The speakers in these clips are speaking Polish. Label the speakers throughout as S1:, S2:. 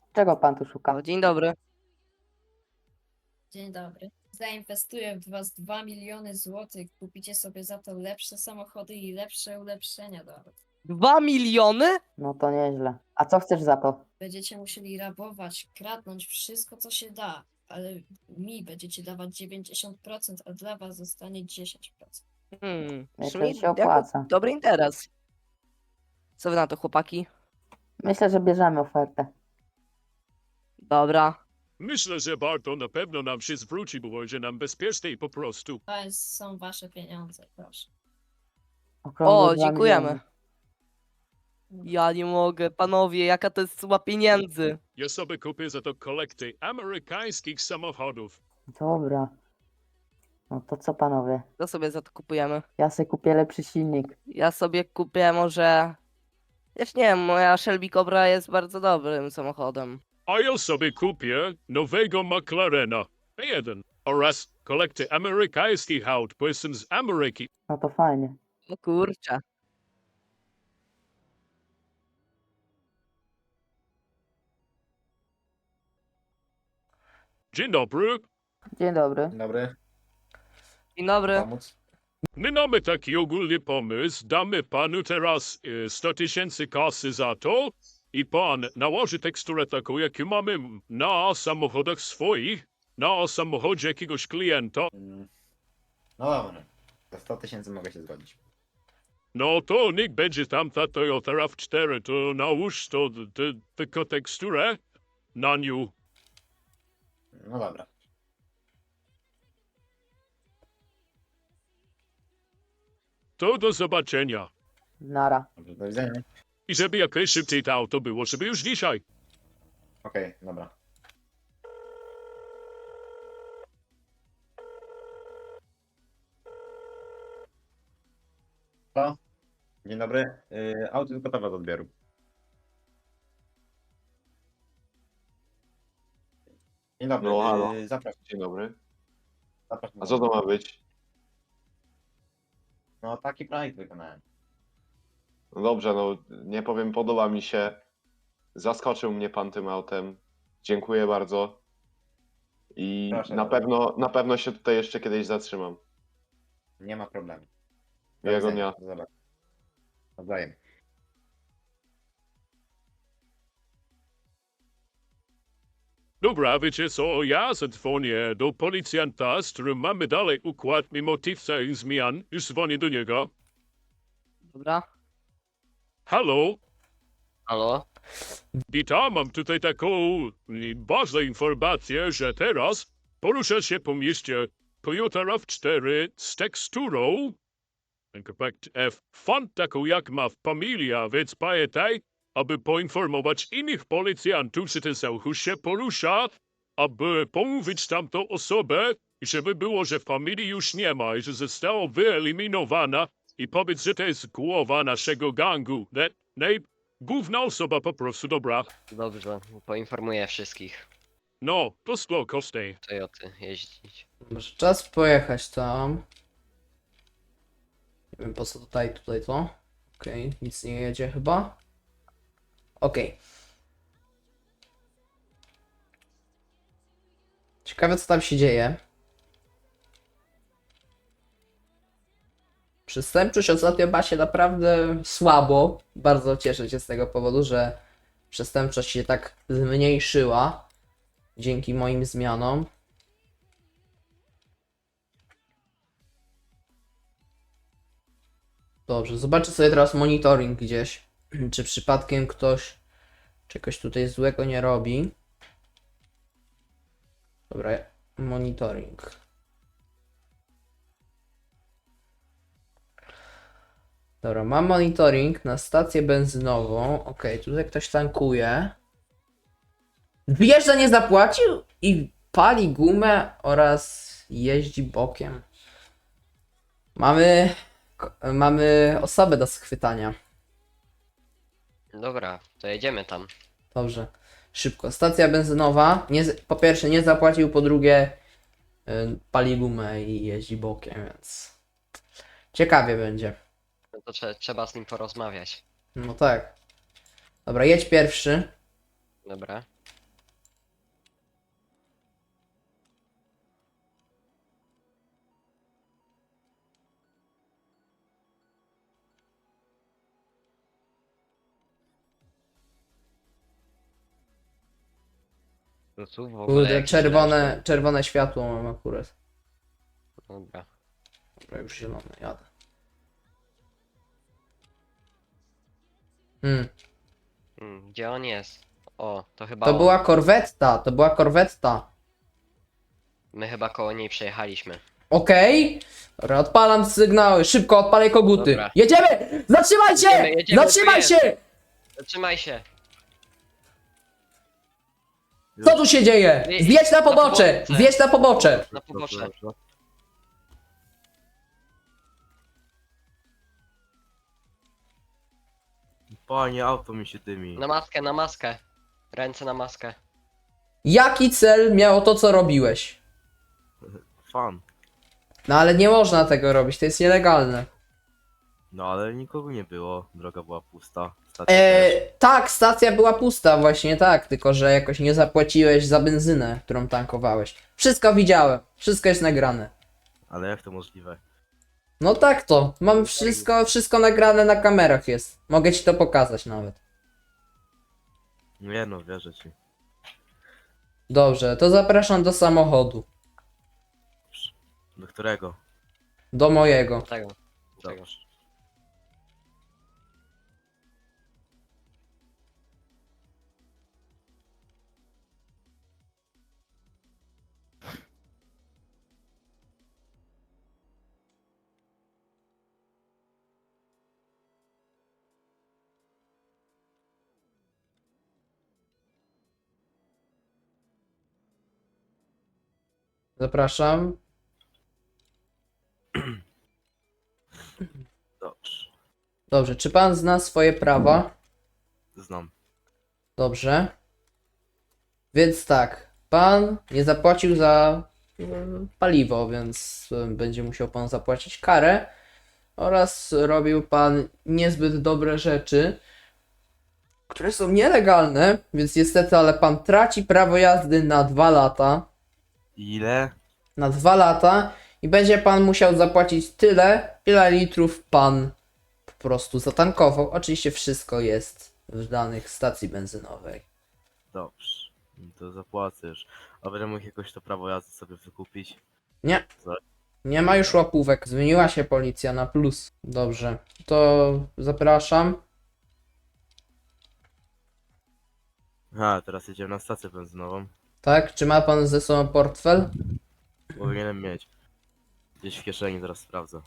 S1: Czego pan tu szuka?
S2: O, dzień dobry.
S3: Dzień dobry. Zainwestuję w was 2 miliony złotych. Kupicie sobie za to lepsze samochody i lepsze ulepszenia do aut.
S2: 2 miliony?
S1: No to nieźle. A co chcesz za to?
S3: Będziecie musieli rabować, kradnąć wszystko, co się da, ale mi będziecie dawać 90%, a dla was zostanie 10%.
S1: Myślę, że się opłaca.
S2: Dobry interes. Co wy na to, chłopaki?
S1: Myślę, że bierzemy ofertę.
S2: Dobra.
S4: Myślę, że Barto na pewno nam się zwróci, bo będzie nam bezpieczniej po prostu.
S3: Są wasze pieniądze, proszę.
S1: Okrągłe
S2: O,
S1: 2
S2: dziękujemy.
S1: miliony.
S2: Ja nie mogę, panowie, jaka to jest suma pieniędzy.
S4: Ja sobie kupię za to kolekty amerykańskich samochodów.
S1: Dobra. No to co panowie?
S2: Co sobie za to kupujemy?
S1: Ja sobie kupię lepszy silnik.
S2: Ja sobie kupię może... Wiesz, nie wiem, moja Shelby Cobra jest bardzo dobrym samochodem.
S4: A ja sobie kupię nowego McLarena P1 oraz kolekty amerykańskich aut, bo jestem z Ameryki.
S1: No to fajnie.
S2: O kurczę.
S4: Dzień dobry.
S1: Dzień dobry.
S5: Dzień dobry,
S2: Dzień dobry.
S5: pomóc?
S4: My mamy taki ogólny pomysł. Damy panu teraz 100 tysięcy kasy za to i pan nałoży teksturę taką, jaką mamy na samochodach swoich, na samochodzie jakiegoś klienta.
S5: No dobra, za 100 tysięcy mogę się zgodzić.
S4: No to niech będzie tamta Toyota RAV4, to nałóż to tylko teksturę na nią.
S5: No dobra.
S4: To do zobaczenia.
S1: Nara.
S5: Dobrze, do widzenia.
S4: I żeby jak najszybciej to auto było, żeby już dzisiaj.
S5: Okej, dobra. To? Dzień dobry. Auto jest gotowe do odbioru. Dzień dobry.
S6: No, halo.
S5: Zapraszam.
S6: Dzień dobry.
S5: Zapraszam.
S6: A co to ma być?
S5: No taki projekt wykonałem.
S6: No dobrze, no nie powiem, podoba mi się. Zaskoczył mnie pan tym autem. Dziękuję bardzo. I
S5: Proszę
S6: na pewno się tutaj jeszcze kiedyś zatrzymam.
S5: Nie ma problemu. Do
S6: Miłego
S5: widzenia.
S6: dnia.
S5: Do zobaczenia. Nawzajem.
S4: Dobra, wiecie co, ja zadzwonię do policjanta, z którym mamy dalej układ mimo tych całych zmian. Już dzwonię do niego.
S2: Dobra.
S4: Halo?
S2: Halo?
S4: Witam, mam tutaj taką ważną informację, że teraz porusza się po mieście Toyota RAV4 z teksturą Compact F font taką jak ma familia, więc pamiętaj, aby poinformować innych policjantów, że ten samochód się porusza, aby pomówić tamtą osobę i żeby było, że familii już nie ma i że została wyeliminowana i powiedz, że to jest głowa naszego gangu. Główna osoba po prostu, dobra.
S7: Dobrze, poinformuję wszystkich.
S4: No, to szło kosztej.
S7: Toyoty jeździć.
S8: Może czas pojechać tam. Nie wiem po co tutaj to. Okej, nic nie jedzie chyba. Okej. Ciekawe co tam się dzieje. Przestępczość ostatnio ma się naprawdę słabo. Bardzo cieszę się z tego powodu, że przestępczość się tak zmniejszyła. Dzięki moim zmianom. Dobrze, zobaczę sobie teraz monitoring gdzieś. Czy przypadkiem ktoś czegoś tutaj złego nie robi. Dobra, monitoring. Dobra, mam monitoring na stację benzynową. Ok, tutaj ktoś tankuje. Wjeżdża, nie zapłacił i pali gumę oraz jeździ bokiem. Mamy osobę do schwytania.
S7: Dobra, to jedziemy tam.
S8: Dobrze. Szybko. Stacja benzynowa. Po pierwsze nie zapłacił, po drugie pali gumę i jeździ bokiem, więc ciekawie będzie.
S7: No to trzeba z nim porozmawiać.
S8: No tak. Dobra, jedź pierwszy.
S7: Dobra. Tu w ogóle
S8: Kurde,
S7: jakieś
S8: czerwone światło mam akurat.
S7: Dobra.
S8: Dobra, już zielone, jadę.
S7: Gdzie on jest? O, to chyba
S8: To
S7: on.
S8: była korwetta.
S7: My chyba koło niej przejechaliśmy.
S8: Okej. Dobra, odpalam sygnały, szybko odpalaj koguty.
S7: Dobra.
S8: Jedziemy! Zatrzymaj się!
S7: Jedziemy,
S8: Zatrzymaj
S7: tu
S8: się!
S7: Zatrzymaj się!
S8: Co tu się dzieje? Zjedź na pobocze! Zjedź na pobocze!
S7: Na pobocze.
S9: Panie, auto mi się dymi.
S7: Na maskę. Ręce na maskę.
S8: Jaki cel miało to, co robiłeś?
S9: Fan.
S8: No ale nie można tego robić, to jest nielegalne.
S9: No ale nikogo nie było, droga była pusta. Stacja też.
S8: Tak, stacja była pusta, właśnie tak, tylko że jakoś nie zapłaciłeś za benzynę, którą tankowałeś. Wszystko widziałem, wszystko jest nagrane.
S9: Ale jak to możliwe?
S8: No tak to, mam wszystko nagrane na kamerach jest. Mogę ci to pokazać nawet.
S9: Nie no, wierzę ci.
S8: Dobrze, to zapraszam do samochodu.
S9: Do którego?
S8: Do mojego.
S7: Tego.
S9: Dobrze.
S8: Zapraszam.
S9: Dobrze.
S8: Dobrze, czy pan zna swoje prawa?
S9: Znam.
S8: Dobrze. Więc tak, pan nie zapłacił za paliwo, więc będzie musiał pan zapłacić karę. Oraz robił pan niezbyt dobre rzeczy, które są nielegalne, więc niestety, ale pan traci prawo jazdy na 2 lata.
S9: Ile?
S8: Na 2 lata i będzie pan musiał zapłacić tyle, ile litrów pan po prostu zatankował. Oczywiście wszystko jest w danych stacji benzynowej.
S9: Dobrze. To zapłacę już. A będę mógł jakoś to prawo jazdy sobie wykupić?
S8: Nie.
S9: Co?
S8: Nie ma już łapówek. Zmieniła się policja na plus. Dobrze. To zapraszam.
S9: A, teraz jedziemy na stację benzynową.
S8: Tak? Czy ma pan ze sobą portfel?
S9: Powinienem mieć. Gdzieś w kieszeni, zaraz sprawdzę.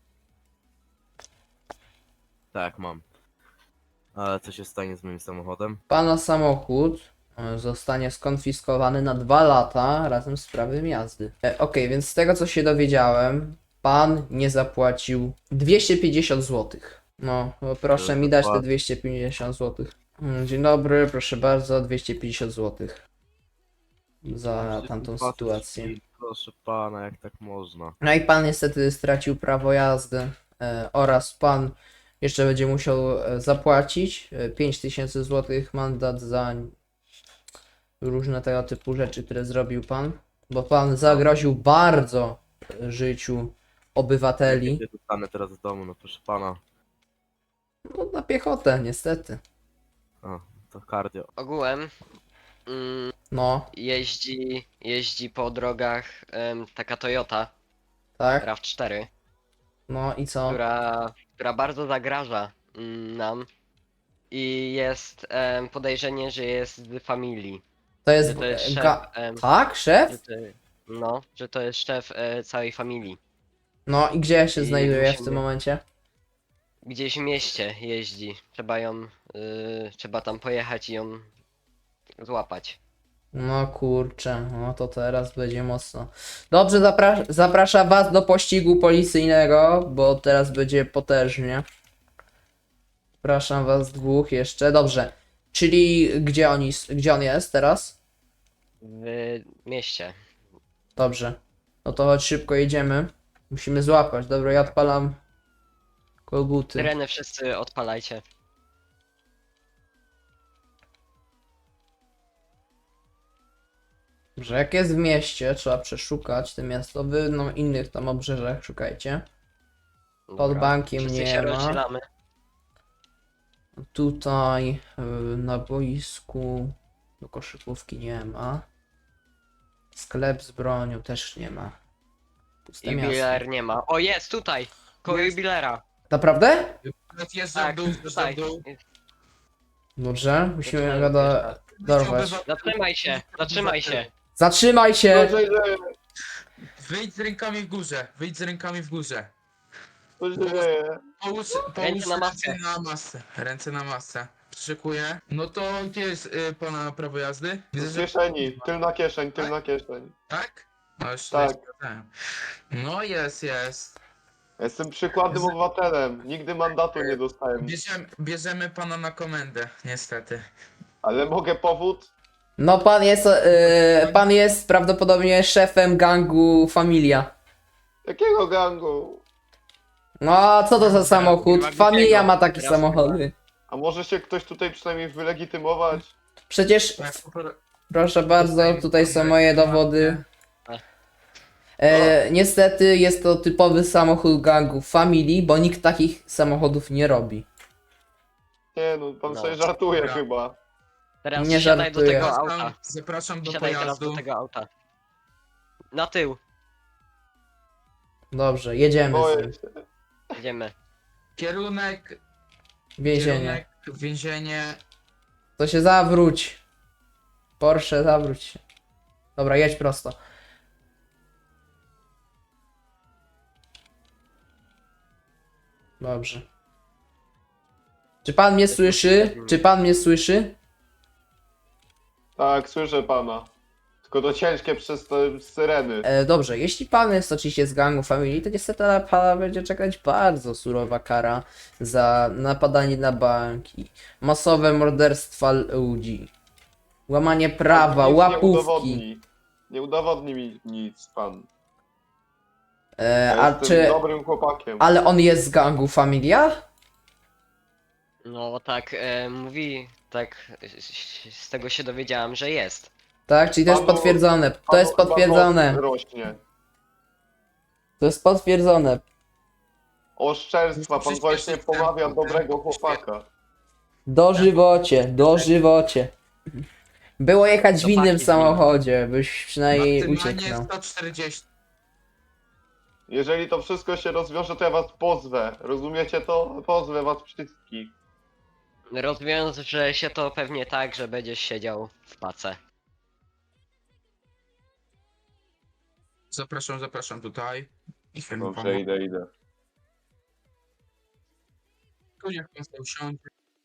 S9: Tak, mam. Ale co się stanie z moim samochodem?
S8: Pana samochód zostanie skonfiskowany na 2 lata razem z prawem jazdy. Okej, więc z tego co się dowiedziałem, pan nie zapłacił 250 zł. No, proszę mi dać te 250 zł. Dzień dobry, proszę bardzo, 250 zł. Za tamtą sytuację.
S9: Proszę pana, jak tak można?
S8: No i pan niestety stracił prawo jazdy oraz pan jeszcze będzie musiał zapłacić 5000 zł mandat za różne tego typu rzeczy, które zrobił pan, bo pan zagroził bardzo życiu obywateli.
S9: Kiedy dostanę teraz w domu, no proszę pana.
S8: No na piechotę niestety.
S9: O, to cardio.
S7: Ogółem
S8: No,
S7: jeździ po drogach taka Toyota
S8: tak,
S7: RAV4,
S8: no i co?
S7: która bardzo zagraża nam i jest podejrzenie, że jest z familii.
S8: To jest
S7: Że to jest szef,
S8: tak, szef?
S7: że to jest szef całej familii.
S8: No i gdzie się
S7: I
S8: znajduje w tym
S7: musimy-
S8: momencie?
S7: Gdzieś w mieście jeździ. Trzeba tam pojechać i ją złapać.
S8: No kurczę, no to teraz będzie mocno. Dobrze, zapraszam was do pościgu policyjnego, bo teraz będzie potężnie. Zapraszam was dwóch jeszcze, dobrze. Czyli gdzie on jest teraz?
S7: W mieście.
S8: Dobrze. No to chodź szybko jedziemy. Musimy złapać, dobra, ja odpalam koguty.
S7: Syreny wszyscy odpalajcie.
S8: Dobrze, jak jest w mieście, trzeba przeszukać te miasto. Wy no innych tam obrzeżach szukajcie. Pod
S7: Dobra.
S8: bankiem
S7: Wszyscy
S8: nie
S7: się
S8: ma.
S7: rozdzielamy.
S8: Tutaj na boisku do koszykówki nie ma. Sklep z bronią też nie ma. Puste miasto.
S7: Jubiler nie ma. O, jest tutaj! Koło
S10: Jest.
S7: jubilera.
S8: Naprawdę?
S10: Zjeżdżam
S7: Tak,
S10: w dół, zjeżdżam
S7: tutaj.
S10: w dół.
S8: Dobrze, musimy
S7: Zaczynamy
S8: go
S7: pierwsza.
S8: dorwać.
S7: Zatrzymaj się, zatrzymaj się.
S8: Zatrzymaj się!
S6: Co się dzieje?
S10: Wyjdź z rękami w górze, wyjdź z rękami w górze.
S6: Co się dzieje?
S10: Połóż
S7: Ręce na maskę.
S10: ręce na masę. Ręce na masę. Przyszykuję. No to gdzie jest pana prawo jazdy? Widzę,
S6: Z
S10: że...
S6: kieszeni, tylna kieszeń, tylna kieszeń.
S10: Tak? No już
S6: Tak.
S10: tutaj sprawdzałem. No jest.
S6: Jestem przykładnym obywatelem, nigdy mandatu nie dostałem.
S10: Bierzemy pana na komendę, niestety.
S6: Ale mogę powód?
S8: No pan jest prawdopodobnie szefem gangu Familia.
S6: Jakiego gangu?
S8: No a co to za samochód? Familia ma takie samochody.
S6: A może się ktoś tutaj przynajmniej wylegitymować?
S8: Przecież,
S10: Tak,
S8: proszę bardzo, tutaj są moje dowody. Niestety jest to typowy samochód gangu Family, bo nikt takich samochodów nie robi.
S6: Nie no, pan
S7: No.
S6: sobie żartuje
S10: Dobra.
S6: chyba.
S7: Teraz
S8: Nie
S7: siadaj do
S8: żartuję.
S7: tego auta.
S10: Zapraszam do
S7: Siadaj teraz do
S10: pojazdu.
S7: tego auta. Na tył.
S8: Dobrze, jedziemy z
S6: Boję
S8: nim.
S6: się.
S7: Idziemy.
S10: Kierunek,
S8: Więzienie.
S10: więzienie.
S8: To się zawróć. Porsche, zawróć się. Dobra, jedź prosto. Dobrze. Czy pan mnie słyszy? Czy pan mnie słyszy?
S6: Tak, słyszę pana. Tylko to ciężkie przez te syreny.
S8: Dobrze, jeśli pan jest oczywiście z gangu Family, to niestety na pana będzie czekać bardzo surowa kara za napadanie na banki, masowe morderstwa ludzi, łamanie prawa,
S6: Nic
S8: łapówki.
S6: Nie udowodni mi nic pan.
S8: A
S6: Ja jestem
S8: czy...
S6: dobrym chłopakiem.
S8: Ale on jest z gangu Familia?
S7: No tak, mówi, tak z tego się dowiedziałem, że jest.
S8: Tak, czyli to jest
S6: Panu-
S8: potwierdzone. To
S6: Panu
S8: jest
S6: chyba
S8: potwierdzone.
S6: nos rośnie.
S8: To jest potwierdzone.
S6: Oszczerstwa, pan właśnie pomawia dobrego chłopaka.
S8: Dożywocie. Było jechać w innym
S7: Chłopaki,
S8: samochodzie, byś przynajmniej
S10: Maksymalnie
S8: ucieknął.
S10: 140.
S6: Jeżeli to wszystko się rozwiąże, to ja was pozwę. Rozumiecie to? Pozwę was wszystkich.
S7: Rozwiąże się to pewnie tak, że będziesz siedział w pace.
S10: Zapraszam tutaj. I chwilę
S6: Dobrze, idę.
S10: Tu niech pan sobie usiądzie.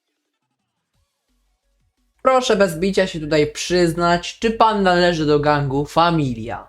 S8: Proszę bez bicia się tutaj przyznać, czy pan należy do gangu Familia?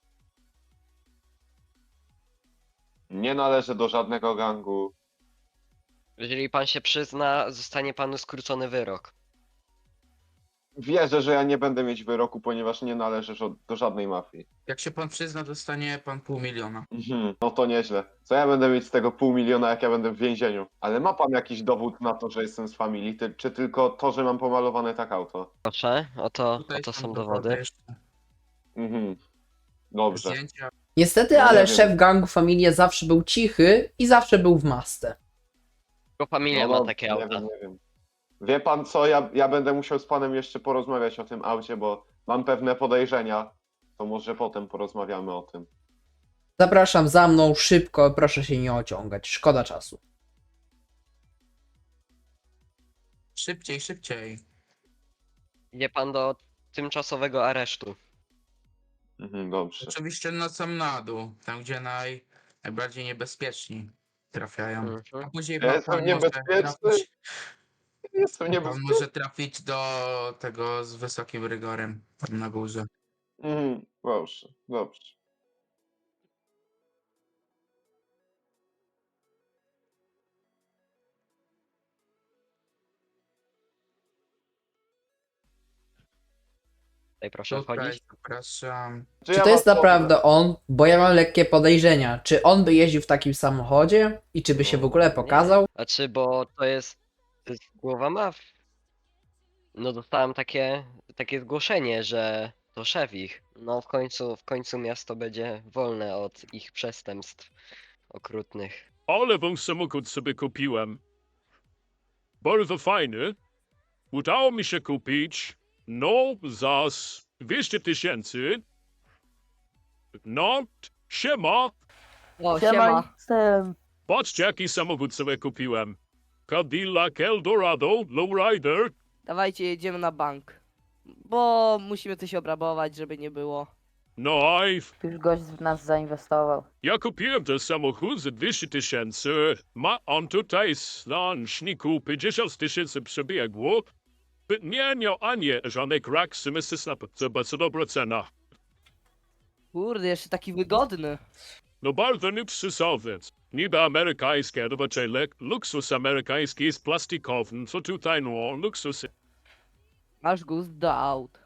S6: Nie należę do żadnego gangu.
S7: Jeżeli pan się przyzna, zostanie panu skrócony wyrok.
S6: Wierzę, że ja nie będę mieć wyroku, ponieważ nie należę do żadnej mafii.
S10: Jak się pan przyzna, dostanie pan 500 000.
S6: No to nieźle. Co ja będę mieć z tego 500 000, jak ja będę w więzieniu? Ale ma pan jakiś dowód na to, że jestem z familii, czy tylko to, że mam pomalowane tak auto?
S7: Proszę, oto
S10: Tutaj
S7: są dowody.
S10: jeszcze.
S6: Dobrze.
S10: Zdjęcia.
S8: Niestety,
S6: No nie
S8: ale
S6: wiem.
S8: szef gangu Familia zawsze był cichy i zawsze był w masce.
S7: Tylko familia ma takie
S6: nie
S7: auta.
S6: wiem, nie wiem. Wie pan co, ja będę musiał z panem jeszcze porozmawiać o tym aucie, bo mam pewne podejrzenia. To może potem porozmawiamy o tym.
S8: Zapraszam za mną szybko, proszę się nie ociągać, szkoda czasu.
S10: Szybciej.
S7: Idzie pan do tymczasowego aresztu.
S6: Dobrze.
S10: Oczywiście na sam na dół, tam gdzie najbardziej niebezpieczni trafiają.
S7: Mhm.
S10: A później
S6: Ja jestem niebezpieczny? Jestem
S10: pan
S6: niebezpieczny.
S10: może trafić do tego z wysokim rygorem tam na górze.
S6: Dobrze.
S7: Tutaj proszę
S10: Tutaj
S7: wchodzić.
S10: zapraszam.
S8: Czy
S6: ja
S8: to jest
S6: was
S8: naprawdę on? Bo ja mam lekkie podejrzenia. Czy on by jeździł w takim samochodzie? I czy by się w ogóle pokazał?
S7: Znaczy, bo to jest głowa mafii. No dostałem takie zgłoszenie, że to szef ich. No w końcu miasto będzie wolne od ich przestępstw okrutnych.
S4: Ale wam samochód sobie kupiłem. Bardzo fajny. Udało mi się kupić, no, za 200 000 No, siema.
S2: O, siema.
S1: Jestem.
S4: Patrzcie, jaki samochód sobie kupiłem. Cadillac Eldorado Lowrider.
S2: Dawajcie, jedziemy na bank. Bo musimy coś obrabować, żeby nie było.
S4: No,
S1: Już gość w nas zainwestował.
S4: ja kupiłem ten samochód za 200 tysięcy. Ma on tutaj na szniku 50 tysięcy przebiegło. Nie miał ani żadnej kraksy, myślę, że bardzo dobra cena.
S2: Kurde, jeszcze taki wygodny.
S4: No bardzo luksusowy. Niby amerykańskie, to raczej luksus amerykański jest plastikowy, co tutaj no, luksus.
S2: Masz gust do aut.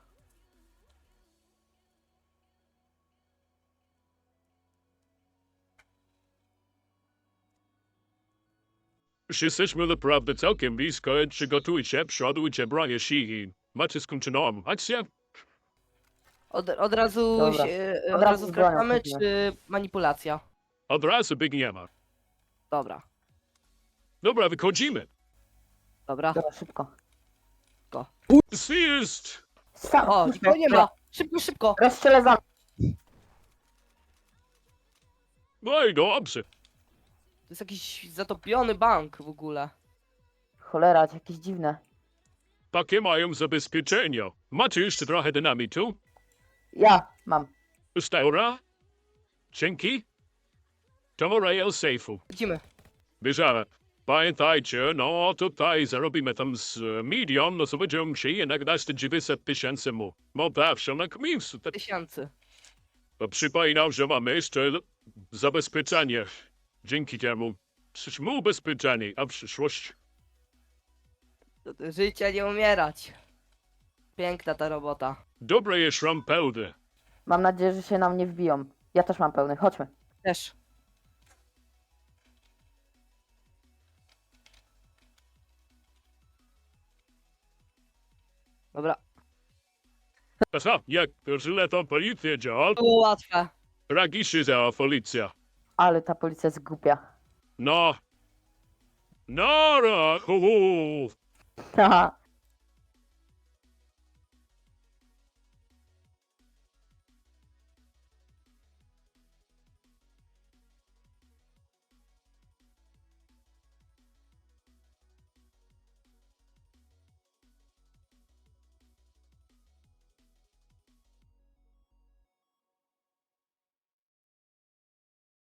S4: Już jesteśmy naprawdę całkiem blisko, przygotujcie, przodujcie bronie sihi. Macie skończoną akcję?
S2: Od razu,
S1: Dobra.
S2: od
S1: Od razu
S2: razu
S1: z bronią
S2: skracamy,
S1: chodzimy.
S2: czy manipulacja?
S4: Od razu biegniemy.
S2: Dobra,
S4: Dobra, wychodzimy.
S2: dobra.
S1: Dobra, szybko.
S4: Zjazd!
S1: Sam,
S2: O, nikogo nie ma. Szybko, szybko.
S1: Rozstrzelę za...
S4: No i dobrze.
S2: To jest jakiś zatopiony bank w ogóle.
S1: Cholera, jakieś dziwne.
S4: Takie mają zabezpieczenia. Macie jeszcze trochę dynamitu?
S1: Ja mam.
S4: Steura? Dzięki? To rail safe'u.
S2: Idziemy.
S4: Bierzemy. Pamiętajcie, no tutaj zarobimy tam z milion, no to będziemy się jednak dać te 900 tysięcy mu. No zawsze na miejscu.
S2: Tysięcy.
S4: Przypominam, że mamy jeszcze zabezpieczenie. Dzięki temu jesteśmy ubezpieczeni, a w przyszłość.
S2: Do życia nie umierać. Piękna ta robota.
S4: Dobre jest rampełdy.
S1: Mam nadzieję, że się nam nie wbiją. Ja też mam pełny. Chodźmy.
S2: Też. Dobra.
S4: Aha, jak to źle to policja działa,
S2: Było łatwe.
S4: tragicznie działa policja.
S1: Ale ta policja jest głupia.
S4: No. No, no, hu, hu.
S1: Haha.